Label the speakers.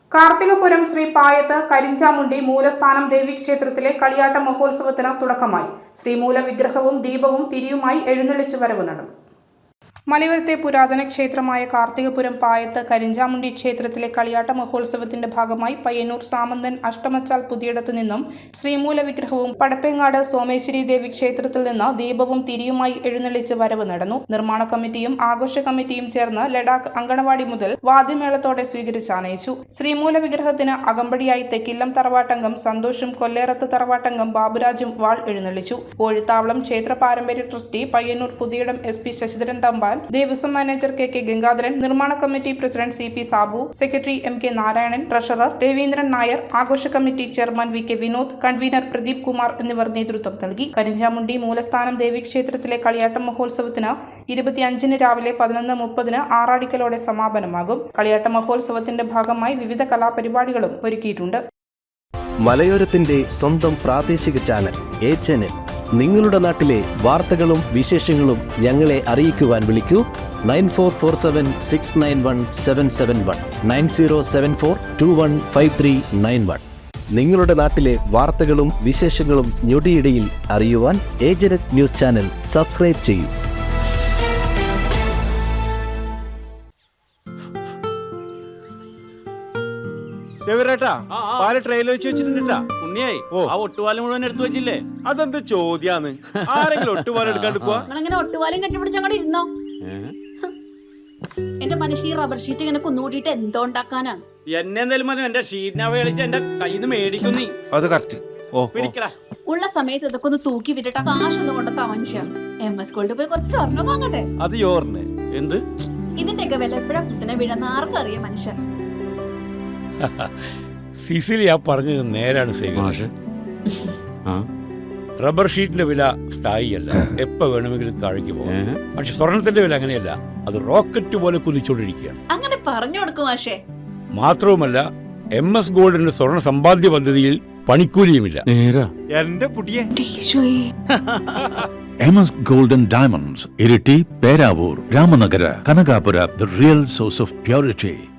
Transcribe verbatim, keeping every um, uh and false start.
Speaker 1: കാർത്തികപുരം ശ്രീ പായത്ത് കരിഞ്ചാമുണ്ടി മൂലസ്ഥാനം ദേവീക്ഷേത്രത്തിലെ കളിയാട്ട മഹോത്സവത്തിന് തുടക്കമായി. ശ്രീമൂല വിഗ്രഹവും ദീപവും തിരിയുമായി എഴുന്നള്ളിച്ചു വരവ് നടന്നു. മലയോരത്തെ പുരാതന ക്ഷേത്രമായ കാർത്തികപുരം പായത്ത് കരിഞ്ചാമുണ്ടി ക്ഷേത്രത്തിലെ കളിയാട്ട മഹോത്സവത്തിന്റെ ഭാഗമായി പയ്യന്നൂർ സാമന്തൻ അഷ്ടമച്ചാൽ പുതിയിടത്തു നിന്നും ശ്രീമൂല വിഗ്രഹവും പടപ്പേങ്ങാട് സോമേശ്വരി ദേവി ക്ഷേത്രത്തിൽ നിന്ന് ദീപവും തിരിയുമായി എഴുന്നള്ളിച്ച് വരവ് നടന്നു. നിർമ്മാണ കമ്മിറ്റിയും ആഘോഷ കമ്മിറ്റിയും ചേർന്ന് ലഡാക്ക് അങ്കണവാടി മുതൽ വാദ്യമേളത്തോടെ സ്വീകരിച്ചാനയിച്ചു. ശ്രീമൂല വിഗ്രഹത്തിന് അകമ്പടിയായി തെക്കില്ലം തറവാട്ടംഗം സന്തോഷും കൊല്ലേറത്ത് തറവാട്ടംഗം ബാബുരാജും വാൾ എഴുന്നള്ളിച്ചു. കോഴിത്താവളം ക്ഷേത്ര പാരമ്പര്യ trustee Payyanur Puthiyidam S P Sasidharan Thampan, Devaswom manager K K Gangadharan, നിർമ്മാണ committee president C P Sabu, secretary M K Narayanan, treasurer Raveendran Nair, ആഘോഷ committee chairman V K Vinod, convener Pradeep Kumar എന്നിവർ നേതൃത്വം നൽകി. കരിഞ്ചാമുണ്ടി മൂലസ്ഥാനം ദേവീക്ഷേത്രത്തിലെ കളിയാട്ട മഹോത്സവത്തിന് ഇരുപത്തിയഞ്ചിന് രാവിലെ പതിനൊന്ന് മുപ്പതിന് ആറാടിക്കലോടെ സമാപനമാകും. കളിയാട്ട മഹോത്സവത്തിന്റെ ഭാഗമായി വിവിധ കലാപരിപാടികളും ഒരുക്കിയിട്ടുണ്ട്.
Speaker 2: മലയോരത്തിന്റെ സ്വന്തം പ്രാദേശിക ചാനൽ എ ചാനൽ. നിങ്ങളുടെ നാട്ടിലെ വാർത്തകളും വിശേഷങ്ങളും ഞങ്ങളെ അറിയിക്കുവാൻ വിളിക്കൂ. Nine four four seven six nine one seven seven one nine zero seven four two one five three nine one. നിങ്ങളുടെ നാട്ടിലെ വാർത്തകളും വിശേഷങ്ങളും ഞൊടിയിടയിൽ അറിയുവാൻ ഏജനറ്റ് ന്യൂസ് ചാനൽ സബ്സ്ക്രൈബ് ചെയ്യൂ.
Speaker 3: അതെന്ത് ചോദ്യാന്ന്? ആരെങ്കിലും ഒട്ടുപാലം എടുക്കാണ്ട് പോവാ?
Speaker 4: ഒട്ടുപാലം കെട്ടിപ്പിടിച്ച് അങ്ങോട്ട് ഇരുന്നോ. എന്റെ മനുഷ്യ ഈ റബ്ബർ ഷീറ്റ് ഇങ്ങനെ കുന്നുകൂട്ടിട്ട് എന്തോ ഉണ്ടാക്കാനാ?
Speaker 5: എന്നെ എന്തായാലും മതി, എന്റെ ഷീറ്റിനെ കളിച്ച് എന്റെ കയ്യിൽ നിന്ന് മേടിക്കുന്നീ.
Speaker 3: അത് കറക്റ്റ്.
Speaker 4: ഉള്ള സമയത്ത് ഇതൊക്കെ ഒന്ന് തൂക്കി വിട്ടിട്ട് കാശൊന്നും കൊണ്ടെത്താ മനുഷ്യ. എം എസ് ഗോൾഡ് പോയി കുറച്ച് സ്വർണ്ണം വാങ്ങട്ടെ.
Speaker 3: അത് യോറിന്
Speaker 5: എന്ത്
Speaker 4: ഇതിന്റെയൊക്കെ വില എപ്പോഴാ കുത്തിനെ വീഴുന്ന ആർക്കറിയാം മനുഷ്യൻ.
Speaker 6: സിസിലി ആ പറഞ്ഞത് നേരാണ് സേവ. റബ്ബർ ഷീറ്റിന്റെ വില സ്ഥായിയല്ല, എപ്പോ വേണമെങ്കിലും താഴേക്ക് പോകാം. പക്ഷെ സ്വർണത്തിന്റെ വില അങ്ങനെയല്ല, അത് റോക്കറ്റ് പോലെ കുതിച്ചുകൊണ്ടിരിക്കുകയാണ്.
Speaker 4: അങ്ങനെ പറഞ്ഞു കൊടുക്കും മാഷേ.
Speaker 6: മാത്രവുമല്ല, എം എസ് ഗോൾഡിന്റെ സ്വർണ്ണ സമ്പാദ്യ പദ്ധതിയിൽ പണിക്കൂലിയുമില്ല.
Speaker 3: എന്റെ പുതിയ
Speaker 7: M S golden diamonds, Iritty, Peravoor, Ramanagara, Kanakapura, the real source of purity.